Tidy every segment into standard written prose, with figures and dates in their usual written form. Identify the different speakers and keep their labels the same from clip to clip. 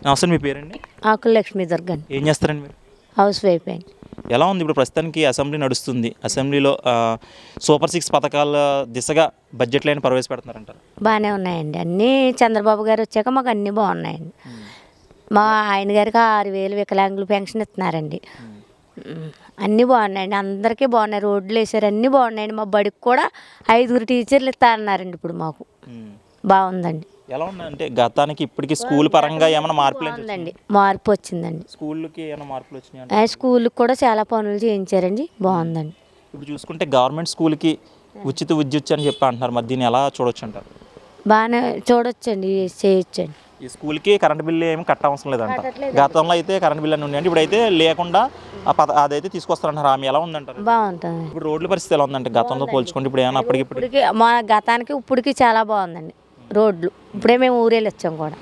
Speaker 1: నమస్తే, మీ పేరండి?
Speaker 2: ఆకుల లక్ష్మీ దుర్గన్.
Speaker 1: ఏం చేస్తారండి మీరు?
Speaker 2: హౌస్ వైఫ్ అండి.
Speaker 1: ఎలా ఉంది ఇప్పుడు ప్రస్తుతానికి అసెంబ్లీ నడుస్తుంది, అసెంబ్లీలో సూపర్ 6 పథకాల దిశగా బడ్జెట్లు అయినా ప్రవేశపెడుతున్నారంటారు?
Speaker 2: బాగానే ఉన్నాయండి, అన్నీ చంద్రబాబు గారు వచ్చాక మాకు అన్నీ బాగున్నాయండి. మా ఆయన గారికి 6,000 వికలాంగులు పెన్షన్ ఇస్తున్నారండి. అన్నీ బాగున్నాయండి, అందరికీ బాగున్నాయి. రోడ్లు వేసారు, అన్నీ బాగున్నాయండి. మా బడికి కూడా 5 టీచర్లు ఇస్తా అన్నారండి. ఇప్పుడు మాకు బాగుందండి.
Speaker 1: ఎలా ఉందంటే గతానికి ఇప్పటికి స్కూల్ పరంగా ఏమైనా మార్పులు
Speaker 2: ఉందండి? మార్పు వచ్చిందండి.
Speaker 1: స్కూళ్ళకి ఏమైనా మార్పులు వచ్చినాయి?
Speaker 2: స్కూల్కి కూడా చాలా పనులు చేయించారండి, బాగుందండి.
Speaker 1: ఇప్పుడు చూసుకుంటే గవర్నమెంట్ స్కూల్కి ఉచిత విద్యుత్ అని చెప్పి అంటున్నారు, మరి దీన్ని ఎలా చూడొచ్చు అంటారు?
Speaker 2: బాగానే చూడొచ్చండి, చేయొచ్చండి.
Speaker 1: ఈ స్కూల్కి కరెంట్ బిల్లు ఏమి కట్ట అవసరం లేదంట. గతంలో అయితే కరెంట్ బిల్లు అని ఉండేది, ఇప్పుడైతే లేకుండా అదైతే తీసుకొస్తారంటారు. ఆమె ఎలా ఉందంటారు?
Speaker 2: బాగుంటుంది.
Speaker 1: ఇప్పుడు రోడ్ల పరిస్థితి ఎలా ఉందంటే గతంలో పోల్చుకుంటే ఇప్పుడు ఏమైనా
Speaker 2: ఇప్పటికి మా గతానికి ఇప్పటికి చాలా బాగుందండి రోడ్లు. ఇప్పుడే మేము ఊరెళ్ళి వచ్చాం కూడా.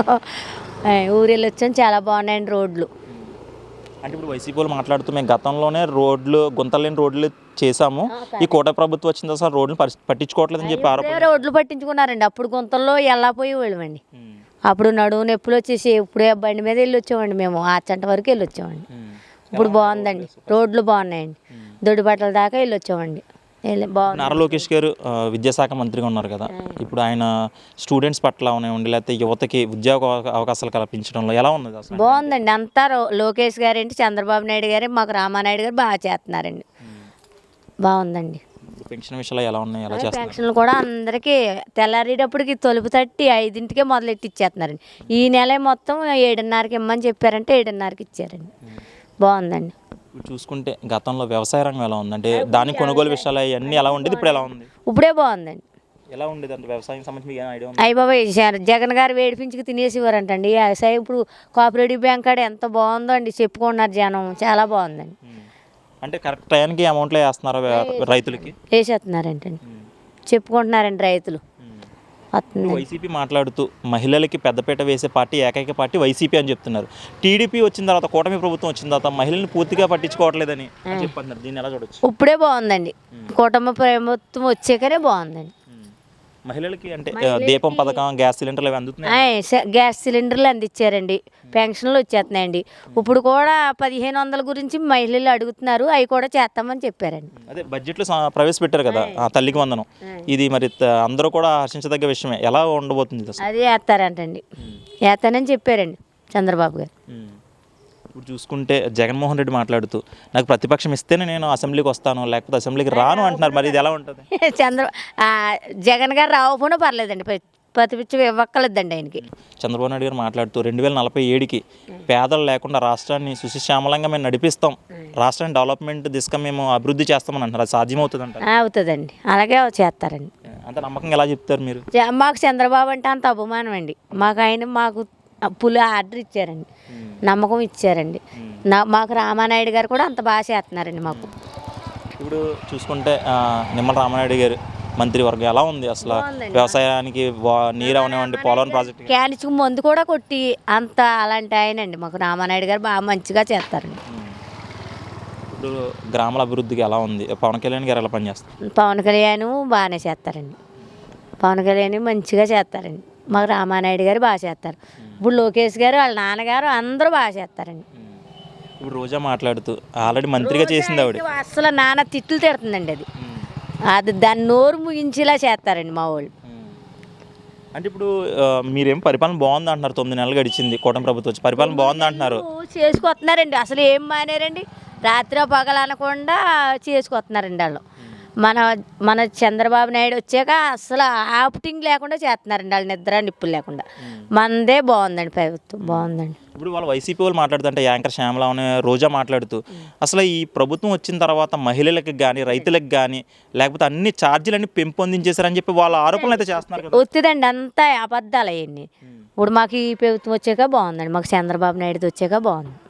Speaker 2: ఊరెళ్ళి వచ్చాం, చాలా బాగున్నాయండి రోడ్లు.
Speaker 1: అంటే ఇప్పుడు వైసీపీ వాళ్ళు మాట్లాడుతూ మేము గతంలోనే రోడ్లు గుంతలేని రోడ్లు చేసాము, ఈ కోట ప్రభుత్వం వచ్చిన తర్వాత రోడ్లు పట్టించుకోవట్లేదని చెప్పి ఆరోపణ.
Speaker 2: రోడ్లు పట్టించుకున్నారండి, అప్పుడు గుంతల్లో వెళ్ళపోయి వెళ్ళమండి. అప్పుడు నడువు నొప్పులు వచ్చేసి ఇప్పుడే బండి మీద వెళ్ళి వచ్చామండి, మేము ఆచంట వరకు వెళ్ళి వచ్చామండి. ఇప్పుడు బాగుందండి, రోడ్లు బాగున్నాయండి. దొడ్డిబట్టల దాకా వెళ్ళి వచ్చామండి.
Speaker 1: నారా లోకేష్ గారు విద్యాశాఖ మంత్రిగా ఉన్నారు కదా, ఇప్పుడు ఆయన స్టూడెంట్స్ పట్ల ఉండి లేకపోతే యువతకి ఉద్యోగ అవకాశాలు కల్పించడంలో ఎలా ఉన్నది అసలు?
Speaker 2: బాగుందండి, అంతా లోకేష్ గారు ఏంటి, చంద్రబాబు నాయుడు గారు, మాకు రామానాయుడు గారు బాగా చేస్తున్నారండి. బాగుందండి.
Speaker 1: పెన్షన్ విషయాలు ఎలా ఉన్నాయి, ఎలా చేస్తారు?
Speaker 2: పెన్షన్లు కూడా అందరికీ తెల్లారేటప్పటికి తలుపు తట్టి 5ంటికే మొదలెట్టి ఇచ్చేస్తున్నారండి. ఈ నెల మొత్తం 7:30కి ఇమ్మని చెప్పారంటే 7:30కి ఇచ్చారండి. బాగుందండి.
Speaker 1: ఇప్పుడు చూసుకుంటే గతంలో వ్యవసాయ రంగం ఎలా ఉందంటే దాని కొనుగోలు విషయాలు అవన్నీ ఎలా ఉండేది, ఇప్పుడు ఎలా ఉంది?
Speaker 2: ఇప్పుడే బాగుందండి.
Speaker 1: ఎలా ఉండేది అంటే వ్యవసాయం సంబంధించి ఐడియా ఉంది?
Speaker 2: అయ్య బాబాయ్, జగన్ గారు వేడిపించుకు తినేసేవారంటండి. వ్యవసాయం ఇప్పుడు కోఆపరేటివ్ బ్యాంక్ కాడ ఎంత బాగుందో అండి, చెప్పుకున్నారు జనం, చాలా బాగుందండి.
Speaker 1: అంటే కరెక్ట్ టైంకి అమౌంట్లో వేస్తున్నారు రైతులకి?
Speaker 2: వేసేస్తున్నారంటండి, చెప్పుకుంటున్నారండి రైతులు.
Speaker 1: వైసీపీ మాట్లాడుతూ మహిళలకి పెద్దపీట వేసే పార్టీ ఏకైక పార్టీ వైసీపీ అని చెప్తున్నారు. టీడీపీ వచ్చిన తర్వాత, కూటమి ప్రభుత్వం వచ్చిన తర్వాత మహిళల్ని పూర్తిగా పట్టించుకోవట్లేదని చెప్పన్నారు. దీన్ని ఎలా చూడొచ్చు?
Speaker 2: ఇప్పుడే బాగుందండి, కూటమి ప్రభుత్వం వచ్చాకనే బాగుందండి.
Speaker 1: మహిళలకి అంటే దీపం పథకం, గ్యాస్ సిలిండర్లు అవి అందుతున్నాయి.
Speaker 2: గ్యాస్ సిలిండర్లు అందించారండి, పెన్షన్లు వచ్చేస్తున్నాయండి. ఇప్పుడు కూడా 1500 గురించి మహిళలు అడుగుతున్నారు, అవి కూడా చేస్తామని చెప్పారండి.
Speaker 1: అదే బడ్జెట్లో ప్రవేశపెట్టారు కదా తల్లికి వందనం, ఇది మరి అందరూ కూడా హర్షించదగ్గ విషయమే. ఎలా ఉండబోతుంది?
Speaker 2: అది వేస్తారంటండి, వేస్తానని చెప్పారండి చంద్రబాబు గారు.
Speaker 1: ఇప్పుడు చూసుకుంటే జగన్మోహన్ రెడ్డి మాట్లాడుతూ నాకు ప్రతిపక్షం ఇస్తేనే నేను అసెంబ్లీకి వస్తాను, లేకపోతే అసెంబ్లీకి రాను అంటున్నారు. మరి ఇది ఎలా ఉంటుంది?
Speaker 2: జగన్ గారు రాకపోయినా పర్లేదండి, ప్రతిపక్షం ఇవ్వక్కలేదండి ఆయనకి.
Speaker 1: చంద్రబాబు నాయుడు గారు మాట్లాడుతూ 2047కి పేదలు లేకుండా రాష్ట్రాన్ని సుశిశ్యామలంగా మేము నడిపిస్తాం, రాష్ట్రాన్ని డెవలప్మెంట్ దిశగా మేము అభివృద్ధి చేస్తామని అంటారు. అది సాధ్యమవుతుంది అంటారు?
Speaker 2: అవుతుందండి, అలాగే చేస్తారండి.
Speaker 1: అంత నమ్మకంగా ఎలా చెప్తారు మీరు?
Speaker 2: మాకు చంద్రబాబు అంటే అంత అభిమానం అండి. మాకు పులి ఆర్డర్ ఇచ్చారండి, నమ్మకం ఇచ్చారండి. మాకు రామానాయుడు గారు కూడా అంత బాగా చేస్తున్నారండి మాకు.
Speaker 1: ఇప్పుడు చూసుకుంటే నిమ్మల రామానాయుడు గారు మంత్రివర్గం ఎలా ఉంది అసలు? వ్యవసాయానికి నీరు అవనివ్వండి, పోలవరం ప్రాజెక్టు
Speaker 2: క్యాన్స్కి మందు కూడా కొట్టి అంత అలాంటి ఆయనండి మాకు రామానాయుడు గారు బాగా మంచిగా చేస్తారండి.
Speaker 1: ఇప్పుడు గ్రామాల అభివృద్ధికి ఎలా ఉంది? పవన్ కళ్యాణ్ గారు ఎలా పనిచేస్తారు?
Speaker 2: పవన్ కళ్యాణ్ బాగానే చేస్తారండి, పవన్ కళ్యాణ్ మంచిగా చేస్తారండి. మాకు రామానాయుడు గారు బాగా చేస్తారు. ఇప్పుడు లోకేష్ గారు, వాళ్ళ నాన్నగారు అందరూ బాగా చేస్తారండి.
Speaker 1: ఇప్పుడు రోజా మాట్లాడుతూ ఆల్రెడీ మంత్రిగా చేసింది ఆవిడ,
Speaker 2: అసలు నాన్న తిట్లు తిడుతుందండి. అది దాన్ని నోరు ముగించేలా చేస్తారండి మా వాళ్ళు.
Speaker 1: అంటే ఇప్పుడు మీరేం పరిపాలన బాగుంది అంటున్నారు, 9 నెలలు గడిచింది కూటమి ప్రభుత్వం వచ్చి, పరిపాలన బాగుంది అంటున్నారు.
Speaker 2: చేసుకొస్తున్నారండి, అసలు ఏం మానేరండి, రాత్రి పగలు అనకుండా చేసుకొస్తున్నారండి వాళ్ళు. మన చంద్రబాబు నాయుడు వచ్చాక అసలు ఆప్టింగ్ లేకుండా చేస్తున్నారండి వాళ్ళు, నిద్ర నిప్పులు లేకుండా. మనదే బాగుందండి, ప్రభుత్వం బాగుందండి.
Speaker 1: ఇప్పుడు వాళ్ళు వైసీపీ వాళ్ళు మాట్లాడుతుంటే యాంకర్ శ్యామల అనే రోజా మాట్లాడుతూ అసలు ఈ ప్రభుత్వం వచ్చిన తర్వాత మహిళలకు కానీ రైతులకు కానీ లేకపోతే అన్ని ఛార్జీలన్నీ పెంపొందించేశారని చెప్పి వాళ్ళ ఆరోపణలు అయితే చేస్తున్నారు.
Speaker 2: ఒత్తిదండి, అంతా అబద్ధాలు అవన్నీ. ఇప్పుడు మాకు ఈ ప్రభుత్వం వచ్చాక బాగుందండి, మాకు చంద్రబాబు నాయుడు వచ్చాక బాగుంది.